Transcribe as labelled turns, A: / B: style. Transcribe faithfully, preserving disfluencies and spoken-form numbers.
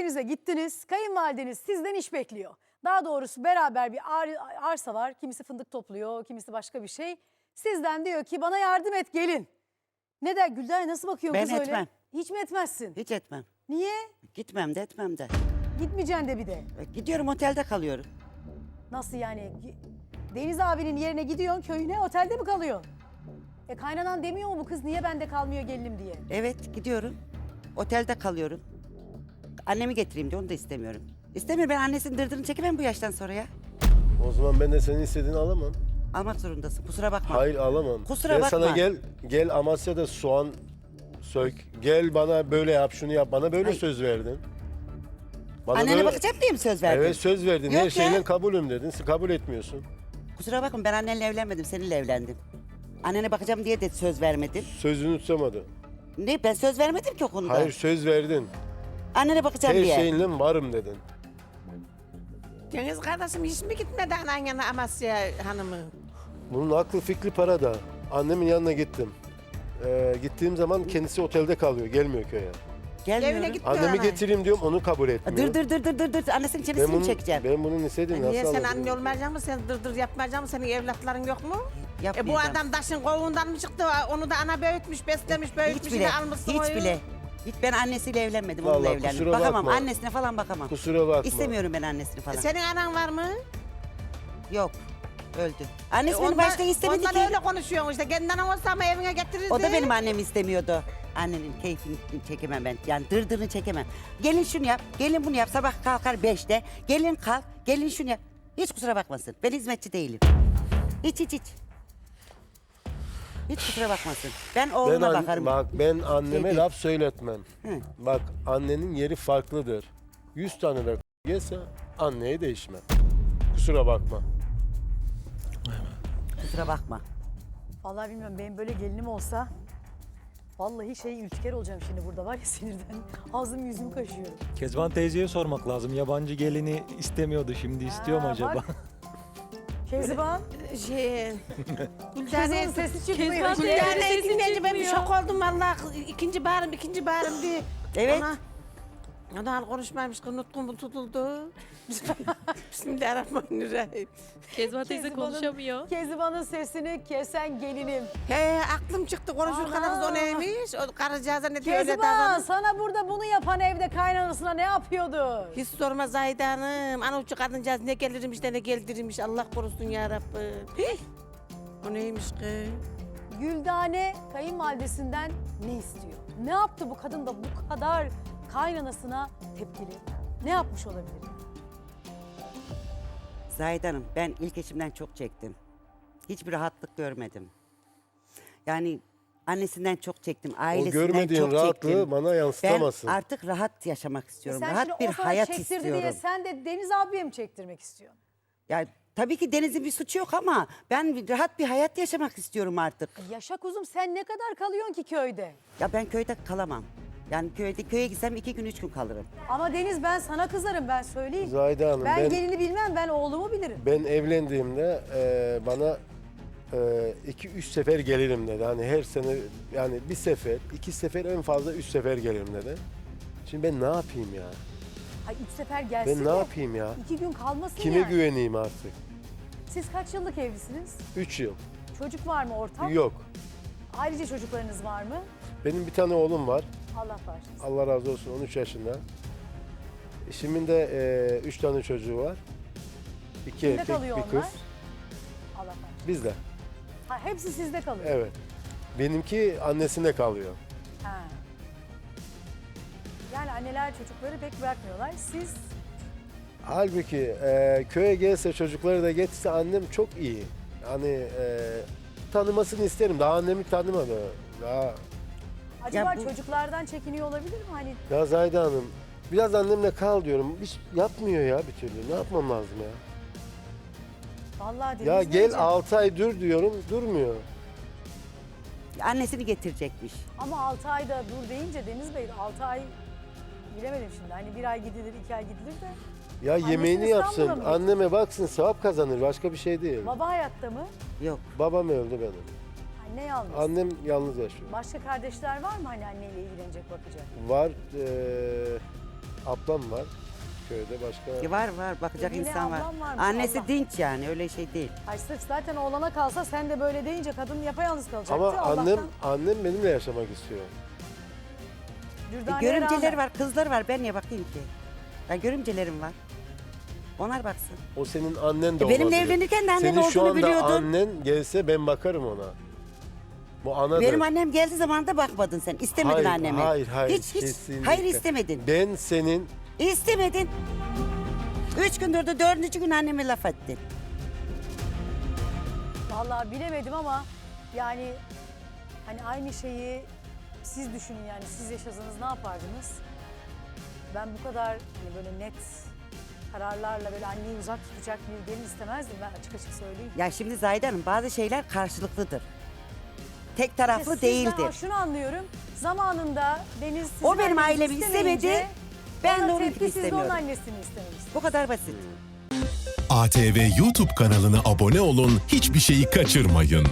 A: köyünüze gittiniz. Kayınvalideniz sizden iş bekliyor. Daha doğrusu beraber bir ar arsa var. Kimisi fındık topluyor, kimisi başka bir şey. Sizden diyor ki bana yardım et gelin. Ne der Gülden, nasıl bakıyorsun
B: Ben
A: kız öyle?
B: etmem.
A: Hiç mi etmezsin?
B: Hiç etmem.
A: Niye?
B: Gitmem de etmem de.
A: Gitmeyeceksin de bir de.
B: E, Gidiyorum otelde kalıyorum.
A: Nasıl yani? Deniz abinin yerine gidiyorsun köyüne, otelde mi kalıyorsun? E kaynanan demiyor mu bu kız niye bende kalmıyor gelinim diye?
B: Evet gidiyorum. Otelde kalıyorum. Annemi getireyim de onu da istemiyorum. İstemiyorum, ben annesinin dırdırını çekemem bu yaştan sonra ya.
C: O zaman ben de senin istediğini alamam.
B: Almak zorundasın, kusura bakma.
C: Hayır alamam.
B: Kusura
C: ben
B: bakma.
C: sana gel gel Amasya'da soğan sök. Gel bana böyle yap şunu yap. Bana böyle
B: Ay.
C: söz verdin. Bana
B: Annene
C: böyle-
B: bakacağım diye mi söz verdin?
C: Evet söz verdin.
B: Yok
C: Her
B: ya.
C: şeyle kabulüm dedin. Sen kabul etmiyorsun.
B: Kusura bakma, ben annenle evlenmedim, seninle evlendim. Annene bakacağım diye de söz vermedim.
C: Sözünü tutamadı.
B: Ne, ben söz vermedim ki o konuda.
C: Hayır söz verdin.
B: Annene bakacağım
C: Her
B: diye.
C: şeyinle varım dedin.
D: Cengiz kardeşim hiç mi gitmedi anan yana Amasya hanımı?
C: Bunun aklı fikri parada. Annemin yanına gittim. Ee, gittiğim zaman kendisi otelde kalıyor. Gelmiyor köye.
B: Gelmiyorum.
D: Evine gitmiyor
C: Annemi
D: ana.
C: getireyim diyorum onu kabul etmiyor.
B: Dır dır dır dır dır dır. Annesinin
C: Ben
B: çenesini
C: bunu,
B: mi çekeceğim?
C: ben bunun istediğim
D: Niye
C: nasıl
D: sen
C: alabilirim?
D: anne olmayacak mısın? Sen dırdır yapmayacak mısın? Senin evlatların yok mu? E bu
B: Yapmayacağım.
D: adam taşın kovuğundan mı çıktı? Onu da ana büyütmüş, beslemiş, büyütmüş.
B: Hiç bile,
D: yine almışsın
B: hiç
D: oyu.
B: bile. Hiç, ben annesiyle evlenmedim, onunla
C: Vallahi
B: evlendim.
C: kusura
B: Bakamam,
C: bakma.
B: annesine falan bakamam.
C: Kusura bakma.
B: İstemiyorum ben annesini falan.
D: E senin anan var mı?
B: Yok, öldü. Annesi
D: E
B: beni
D: ondan-
B: başta istemedi
D: ondan
B: ki.
D: öyle konuşuyorsun işte. Kendi anan olsa ama evine getirirdi.
B: O da benim annemi istemiyordu. Annenin keyfini çekemem ben. Yani dırdırını çekemem. Gelin şunu yap, gelin bunu yap. Sabah kalkar beşte. Gelin kalk, gelin şunu yap. Hiç kusura bakmasın. Ben hizmetçi değilim. Hiç hiç hiç. Hiç kusura bakmasın. Ben
C: Ben
B: oğluma
C: an-
B: bakarım.
C: bak ben anneme
B: Dedi.
C: laf söyletmem.
B: Hı.
C: Bak annenin yeri farklıdır. Yüz tane de yese anneye değişmem. Kusura bakma.
B: Kusura bakma.
A: Vallahi bilmiyorum, benim böyle gelinim olsa vallahi şey ülker olacağım şimdi burada var ya sinirden. Ağzım yüzüm kaşıyorum.
E: Kezban teyzeye sormak lazım. Yabancı gelini istemiyordu, şimdi istiyor mu
A: Ha,
E: acaba?
A: bak. Kezban.
D: Şey...
A: Kızın
D: Gülden
A: sesi çıkmıyor.
F: Kezban
A: Gülden-
F: teyze-
D: Yani
F: Sesi
D: dinleyince ben bir
F: çıkmıyor.
D: şok oldum vallahi. İkinci bağırım, ikinci bağırım diye.
B: Evet.
D: Ona, ona konuşmaymış, nutkum tutuldu. Bismillahirrahmanirrahim.
F: Kezban teyze
A: Kezban'ın-
F: konuşamıyor.
A: Kezban'ın sesini kesen gelinim.
D: He aklım çıktı konuşurken
A: Ana.
D: kız o neymiş? O karıcağıza ne diyor öyle
A: Kezban
D: davranış.
A: sana burada bunu yapan evde kaynanasına ne yapıyordu?
D: Hiç sorma Zahide Hanım. Ana uçu kadıncağız ne gelirmiş de ne geldirirmiş. Allah korusun ya Rabbim. Hih! O neymiş ki?
A: Güldane kayınvalidesinden ne istiyor? Ne yaptı bu kadın da bu kadar kaynanasına tepkili? Ne yapmış olabilir?
B: Zahide Hanım, ben ilk eşimden çok çektim. Hiçbir rahatlık görmedim. Yani annesinden çok çektim,
C: O
B: ailesinden
C: görmediğin
B: çok
C: rahatlığı
B: çektim.
C: bana
B: Ben
C: yansıtamazsın.
B: artık rahat yaşamak istiyorum.
A: E sen
B: rahat
A: şimdi
B: bir
A: o sana
B: hayat
A: çektirdi
B: istiyorum.
A: diye sen de Deniz abiye mi çektirmek istiyorsun?
B: Yani tabii ki Deniz'in bir suçu yok ama ben bir- rahat bir hayat yaşamak istiyorum artık.
A: Yaşa kuzum, sen ne kadar kalıyorsun ki köyde?
B: Ya ben köyde kalamam. Yani köyde köye gitsem iki gün üç gün kalırım.
A: Ama Deniz ben sana kızarım, ben söyleyeyim.
C: Zahide Hanım
A: ben,
C: ben,
A: gelini bilmem, ben oğlumu bilirim.
C: ben evlendiğimde e, bana e, iki üç sefer gelirim dedi. Hani her sene yani bir sefer, iki sefer en fazla üç sefer gelirim dedi. Şimdi ben ne yapayım ya?
A: Ay üç sefer gelsin
C: Ben
A: de
C: ne yapayım ya?
A: iki gün kalmasın
C: Kime
A: yani.
C: güveneyim artık?
A: Siz kaç yıllık evlisiniz?
C: Üç yıl.
A: Çocuk var mı ortak?
C: Yok.
A: Ayrıca çocuklarınız var mı?
C: Benim bir tane oğlum var.
A: Allah bağışlasın.
C: Allah razı olsun on üç yaşında. Eşimin de e, üç tane çocuğu var. İki
A: Kimde
C: erkek,
A: kalıyor
C: bir
A: onlar?
C: kız.
A: Allah bağışlasın.
C: Bizde.
A: Ha, hepsi sizde kalıyor.
C: Evet. Benimki annesinde kalıyor.
A: Ha. Yani anneler çocukları pek bırakmıyorlar. Siz
C: Halbuki e, köye gelse çocukları da getirse annem çok iyi. Hani e, tanımasını isterim. Daha annemi tanımadı. Daha...
A: acaba
B: bu-
A: çocuklardan çekiniyor olabilir mi? Hani
C: Ya Zahide Hanım biraz annemle kal diyorum. Hiç yapmıyor ya bir türlü. Ne yapmam lazım ya?
A: vallahi Deniz
C: Ya gel
A: Beyciğim,
C: altı ay dur diyorum. Durmuyor.
B: Annesini getirecekmiş.
A: ama altı ayda dur deyince Deniz Bey altı ay bilemedim şimdi. Hani bir ay gidilir, iki ay gidilir de.
C: Ya
A: Annesini
C: yemeğini
A: İstanbul'a
C: yapsın.
A: mı
C: Anneme baksın sevap kazanır. Başka bir şey değil.
A: Baba hayatta mı?
B: Yok.
C: Babam öldü benim.
A: Anne yalnız.
C: Annem yalnız yaşıyor.
A: Başka kardeşler var mı hani anneyle ilgilenecek, bakacak?
C: Var. eee, ablam var. Köyde başka.
B: E var var bakacak
A: Yine
B: insan var.
A: ablam varmış,
B: Annesi
A: Allah.
B: dinç yani öyle şey değil.
A: Ay sırf zaten oğlana kalsa sen de böyle deyince kadın yapayalnız kalacaktı.
C: Ama
A: Allah'tan
C: annem annem benimle yaşamak istiyor.
B: E,
A: Dürdane'ye
B: görümceleri
A: rağmen.
B: var, kızları var. Ben niye bakayım ki? Ben görümcelerim var. Onlar baksın.
C: O senin annen de
B: E, benimle
C: olabilir.
B: evlenirken de annen
C: Senin şu
B: olduğunu
C: anda
B: biliyordun.
C: annen gelse ben bakarım ona. Bu anadır.
B: Benim annem geldiği zaman da bakmadın sen. İstemedin
C: hayır,
B: annemi.
C: Hayır, hayır.
B: Hiç hiç.
C: kesinlikle.
B: Hayır istemedin.
C: Ben senin
B: İstemedin. Üç gün durdu, dördüncü gün anneme laf ettin.
A: Vallahi bilemedim ama yani hani aynı şeyi siz düşünün yani siz yaşasanız ne yapardınız? Ben bu kadar hani böyle net kararlarla böyle anneyi uzak tutacak bir gelin istemezdim ben açık açık söyleyeyim.
B: Ya şimdi Zahide Hanım bazı şeyler karşılıklıdır. Tek
A: İşte
B: taraflı
A: sizden
B: değildir.
A: şunu anlıyorum. Zamanında Deniz sizin
B: O benim
A: annenizi
B: ailemi
A: istemeyince
B: istemedi, ben
A: ona
B: de onunkini
A: tepki, siz de onun
B: istemiyorum.
A: annesini istememişsiniz.
B: Bu kadar basit.
F: A T V YouTube kanalına abone olun, hiçbir şeyi kaçırmayın.